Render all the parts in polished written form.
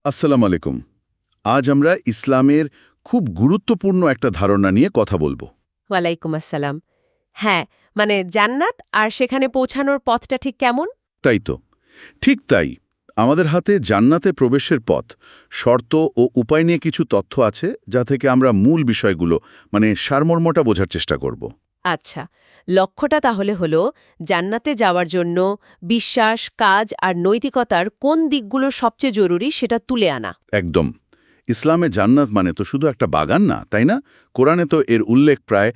আসসালামু আলাইকুম। আজ আমরা ইসলামের খুব গুরুত্বপূর্ণ একটা ধারণা নিয়ে কথা বলবো। ওয়ালাইকুম আসসালাম। হ্যাঁ, মানে জান্নাত আর সেখানে পৌঁছানোর পথটা ঠিক কেমন? তাই তো, ঠিক তাই। আমাদের হাতে জান্নাতে প্রবেশের পথ, শর্ত ও উপায় নিয়ে কিছু তথ্য আছে, যা থেকে আমরা মূল বিষয়গুলো সারমর্মটা বোঝার চেষ্টা করব। আচ্ছা, লক্ষ্যটা তাহলে হলো জান্নাতে যাওয়ার জন্য বিশ্বাস, কাজ আর নৈতিকতার কোন দিকগুলো সবচেয়ে জরুরি সেটা তুলে আনা। একদম। ইসলামে জান্নাত মানে তো শুধু একটা বাগান না, তাই না? কোরআনে তো এর উল্লেখ প্রায়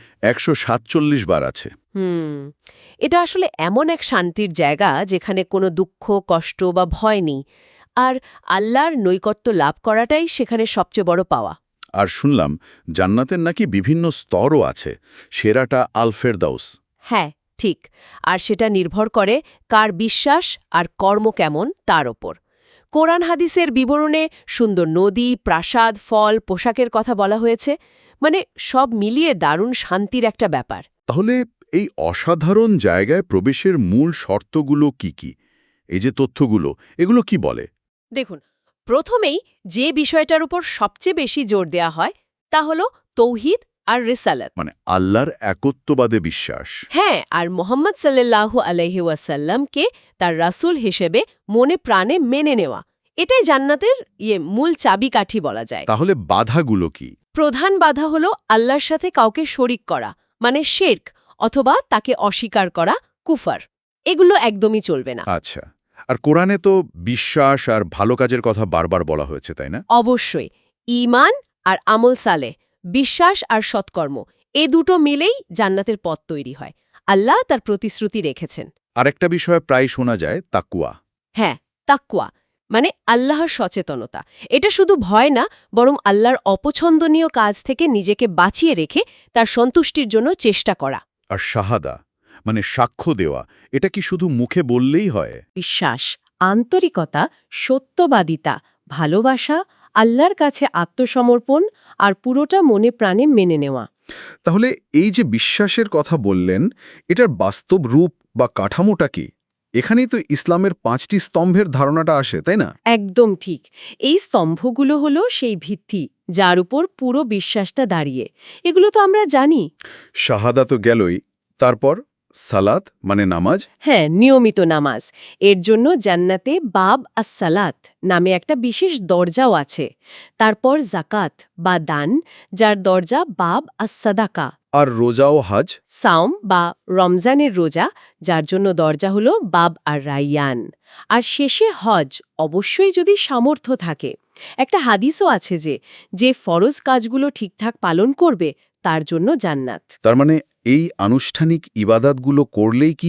১৪৭ বার আছে। হুম, এটা আসলে এমন এক শান্তির জায়গা যেখানে কোনো দুঃখ, কষ্ট বা ভয় নেই। আর আল্লাহর নৈকট্য লাভ করাটাই সেখানে সবচেয়ে বড় পাওয়া। আর শুনলাম জান্নাতের নাকি বিভিন্ন স্তরও আছে। সেরাটা আল ফেরদাউস। হ্যাঁ, ঠিক। আর সেটা নির্ভর করে কার বিশ্বাস আর কর্ম কেমন তার ওপর। কোরআন হাদিসের বিবরণে সুন্দর নদী, প্রাসাদ, ফল, পোশাকের কথা বলা হয়েছে। মানে সব মিলিয়ে দারুণ শান্তির একটা ব্যাপার। তাহলে এই অসাধারণ জায়গায় প্রবেশের মূল শর্তগুলো কি কি? এই যে তথ্যগুলো, এগুলো কি বলে? দেখুন, প্রথমেই যে বিষয়টার উপর সবচেয়ে বেশি জোর দেয়া হয় তা হলো তৌহিদ আর রিসালাত। আল্লাহর একত্ববাদে বিশ্বাস। হ্যাঁ, আর মোহাম্মদ সাল্লাল্লাহু আলাইহি ওয়াসাল্লামকে তার রাসূল হিসেবে মনে প্রাণে মেনে নেওয়া। এটাই জান্নাতের মূল চাবিকাঠি বলা যায়। তাহলে বাধাগুলো কি? প্রধান বাধা হলো আল্লাহর সাথে কাউকে শরিক করা, মানে শিরক, অথবা তাকে অস্বীকার করা, কুফর। এগুলো একদমই চলবে না। আচ্ছা। আর কোরআনে তো বিশ্বাস আর ভালো কাজের কথা বারবার বলা হয়েছে, তাই না? অবশ্যই ঈমান আর আমল সালেহ, বিশ্বাস আর সৎকর্ম, এ দুটো মিলেই জান্নাতের পথ তৈরি হয়। আল্লাহ তার প্রতিশ্রুতি রেখেছেন। আরেকটা বিষয় প্রায় শোনা যায়, তাকওয়া। হ্যাঁ, তাকওয়া মানে আল্লাহর সচেতনতা। এটা শুধু ভয় না, বরং আল্লাহর অপছন্দনীয় কাজ থেকে নিজেকে বাঁচিয়ে রেখে তার সন্তুষ্টির জন্য চেষ্টা করা। আর শাহাদা সাক্ষ্য দেওয়া, এটা কি শুধু মুখে বললেই হয়? বিশ্বাস, আন্তরিকতা, সত্যবাদিতা, ভালোবাসা, আল্লাহর কাছে আত্মসমর্পণ আর পুরোটা মনে প্রাণে মেনে নেওয়া। তাহলে এই যে বিশ্বাসের কথা বললেন, এটার বাস্তব রূপ বা কাঠামোটা কি? এখানেই তো ইসলামের ৫টি স্তম্ভের ধারণাটা আসে, তাই না? একদম ঠিক। এই স্তম্ভগুলো হলো সেই ভিত্তি যার উপর পুরো বিশ্বাসটা দাঁড়িয়ে। এগুলো তো আমরা জানি। শাহাদা তো গেলই, তারপর সালাত নামাজ। হ্যাঁ, নিয়মিত নামাজ। এর জন্য জান্নাতে বাব আস-সালাত নামে একটা বিশেষ দরজাও আছে। তারপর জাকাত বা দান, যার দরজা বাব আস-সাদাকা। আর রোজা ও হজ। সাওম বা রমজানের রোজা, যার জন্য দরজা হলো বাব আর রাইয়ান। আর শেষে হজ, অবশ্যই যদি সামর্থ্য থাকে। একটা হাদিসও আছে যে ফরজ কাজগুলো ঠিকঠাক পালন করবে তার জন্য জান্নাত। তার এই আনুষ্ঠানিক ইবাদাতগুলো করলেই কি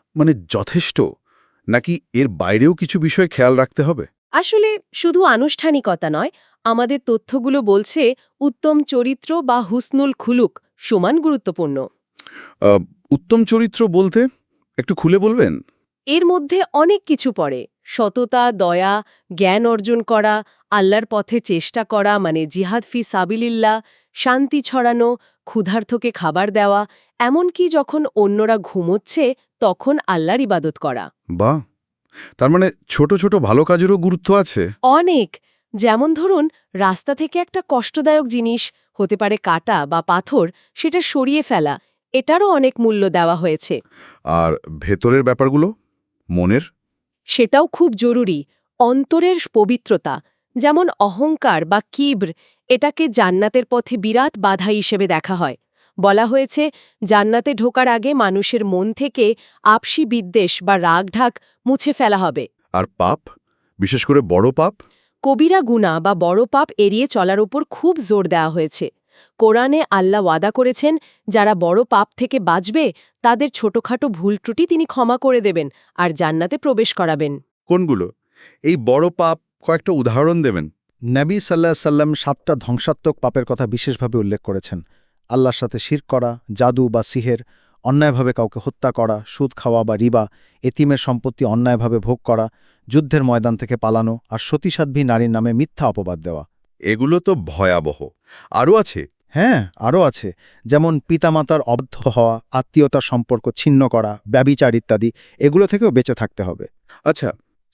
যথেষ্ট, নাকি এর বাইরেও কিছু বিষয় খেয়াল রাখতে হবে? আসলে শুধু আনুষ্ঠানিকতা নয়, আমাদের তথ্যগুলো বলছে উত্তম চরিত্র বা হুসনুল খুলুক সমান গুরুত্বপূর্ণ। আহ, উত্তম চরিত্র বলতে একটু খুলে বলবেন? এর মধ্যে অনেক কিছু পড়ে। সততা, দয়া, জ্ঞান অর্জন করা, আল্লাহর পথে চেষ্টা করা মানে জিহাদ ফি সাবিলিল্লাহ, শান্তি ছড়ানো, ক্ষুধার্তকে খাবার দেওয়া, এমনকি যখন অন্যরা ঘুমোচ্ছে তখন আল্লাহর ইবাদত করা। বাহ! তার ছোট ছোট ভালো কাজেরও গুরুত্ব আছে। অনেক। যেমন ধরুন, রাস্তা থেকে একটা কষ্টদায়ক জিনিস, হতে পারে কাঁটা বা পাথর, সেটা সরিয়ে ফেলা, এটারও অনেক মূল্য দেওয়া হয়েছে। আর ভেতরের ব্যাপারগুলো, মনের। সেটাও খুব জরুরি। অন্তরের পবিত্রতা, যেমন অহংকার বা কিব্র, এটাকে জান্নাতের পথে বিরাট বাধা হিসেবে দেখা হয়। বলা হয়েছে জান্নাতে ঢোকার আগে মানুষের মন থেকে আপসি বিদ্বেষ বা রাগঢাক মুছে ফেলা হবে। আর পাপ, বিশেষ করে বড় পাপ। কবিরা গুনাহ বা বড় পাপ এড়িয়ে চলার উপর খুব জোর দেওয়া হয়েছে। কোরআনে আল্লাহ ওয়াদা করেছেন যারা বড় পাপ থেকে বাঁচবে তাদের ছোটখাটো ভুল ত্রুটি তিনি ক্ষমা করে দেবেন আর জান্নাতে প্রবেশ করাবেন। কোনগুলো? এই বড় পাপ কয়েকটা উদাহরণ দেবেন? নবী সাল্লাহ সাল্লাম ৭টা ধ্বংসাত্মক পাপের কথা বিশেষভাবে উল্লেখ করেছেন। আল্লাহর সাথে শিরক করা, জাদু বা সিহের, অন্যায়ভাবে কাউকে হত্যা করা, সুদ খাওয়া বা রিবা, এতিমের সম্পত্তি অন্যায়ভাবে ভোগ করা, যুদ্ধের ময়দান থেকে পালানো আর সতীসাধ্বী নারীর নামে মিথ্যা অপবাদ দেওয়া। এগুলো তো ভয়াবহ। আরও আছে? হ্যাঁ, আরও আছে। যেমন পিতামাতার অবাধ্য হওয়া, আত্মীয়তার সম্পর্ক ছিন্ন করা, ব্যভিচার ইত্যাদি। এগুলো থেকেও বেঁচে থাকতে হবে। আচ্ছা,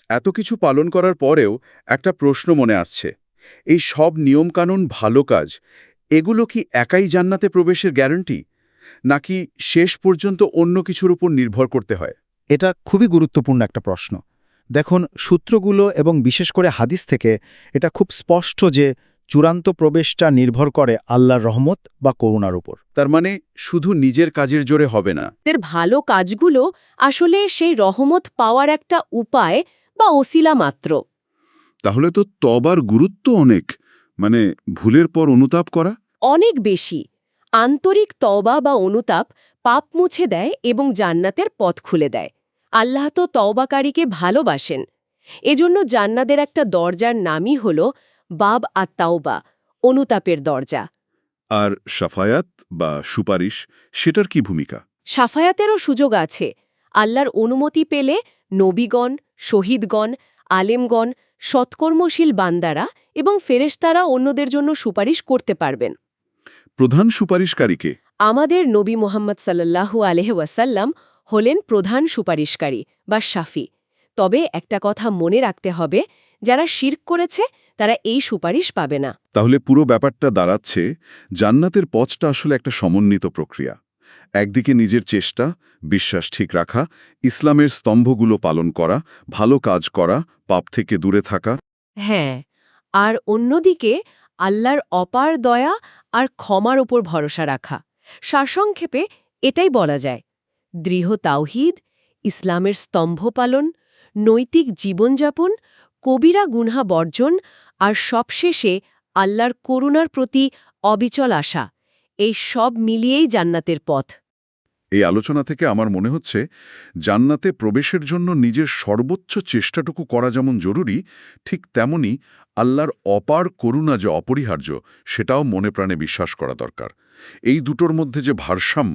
এত কিছু পালন করার পরেও একটা প্রশ্ন মনে আসছে, এই সব নিয়মকানুন, ভালো কাজ, এগুলো কি একাই জান্নাতে প্রবেশের গ্যারান্টি, নাকি শেষ পর্যন্ত অন্য কিছুর উপর নির্ভর করতে হয়? এটা খুবই গুরুত্বপূর্ণ একটা প্রশ্ন। দেখুন, সূত্রগুলো এবং বিশেষ করে হাদিস থেকে এটা খুব স্পষ্ট যে চূড়ান্ত প্রবেশটা নির্ভর করে আল্লাহর রহমত বা করুণার উপর। তার মানে শুধু নিজের কাজের জোরে হবে না। এর ভালো কাজগুলো আসলে সেই রহমত পাওয়ার একটা উপায় বা ওসিলা মাত্র। তাহলে তো তবার গুরুত্ব অনেক, মানে ভুলের পর অনুতাপ করা। অনেক বেশি। আন্তরিক তওবা বা অনুতাপ পাপ মুছে দেয় এবং জান্নাতের পথ খুলে দেয়। আল্লাহ তো তওবাকারীকে ভালোবাসেন। এজন্য জান্নাতের একটা দরজার নামই হল বাব আত-তাওবা, অনুতাপের দরজা। আর সাফায়াত বা সুপারিশ, সেটার কি ভূমিকা? সাফায়াতেরও সুযোগ আছে। আল্লাহর অনুমতি পেলে নবীগণ, শহীদগণ, আলেমগণ, সৎকর্মশীল বান্দারা এবং ফেরেশতারা অন্যদের জন্য সুপারিশ করতে পারবেন। প্রধান সুপারিশকারীকে? আমাদের নবী মুহাম্মদ সাল্লাল্লাহু আলাইহি ওয়াসাল্লাম হলেন প্রধান সুপারিশকারী বা শাফি। তবে একটা কথা মনে রাখতে হবে, যারা শিরক করেছে তারা এই সুপারিশ পাবে না। তাহলে পুরো ব্যাপারটা দাঁড়াচ্ছে, জান্নাতের পথটা আসলে একটা সমন্বিত প্রক্রিয়া। একদিকে নিজের চেষ্টা, বিশ্বাস ঠিক রাখা, ইসলামের স্তম্ভগুলো পালন করা, ভালো কাজ করা, পাপ থেকে দূরে থাকা। হ্যাঁ, আর অন্যদিকে আল্লাহর অপার দয়া আর ক্ষমার ওপর ভরসা রাখা। সারসংক্ষেপে এটাই বলা যায়, দৃঢ় তাওহীদ, ইসলামের স্তম্ভ পালন, নৈতিক জীবনযাপন, কবিরা গুনহা বর্জন আর সবশেষে আল্লাহর করুণার প্রতি অবিচল আশা, এই সব মিলিয়েই জান্নাতের পথ। এই আলোচনা থেকে আমার মনে হচ্ছে, জান্নাতে প্রবেশের জন্য নিজের সর্বোচ্চ চেষ্টাটুকু করা যেমন জরুরি, ঠিক তেমনি আল্লাহর অপার করুণা যে অপরিহার্য, সেটাও মনে প্রাণে বিশ্বাস করা দরকার। এই দুটোর মধ্যে যে ভারসাম্য,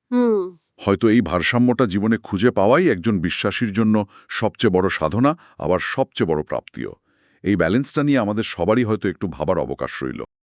হয়তো এই ভারসাম্যটা জীবনে খুঁজে পাওয়াই একজন বিশ্বাসীর জন্য সবচেয়ে বড় সাধনা, আবার সবচেয়ে বড় প্রাপ্তিও। এই ব্যালেন্সটা নিয়ে আমাদের সবারই হয়তো একটু ভাবার অবকাশ রইল।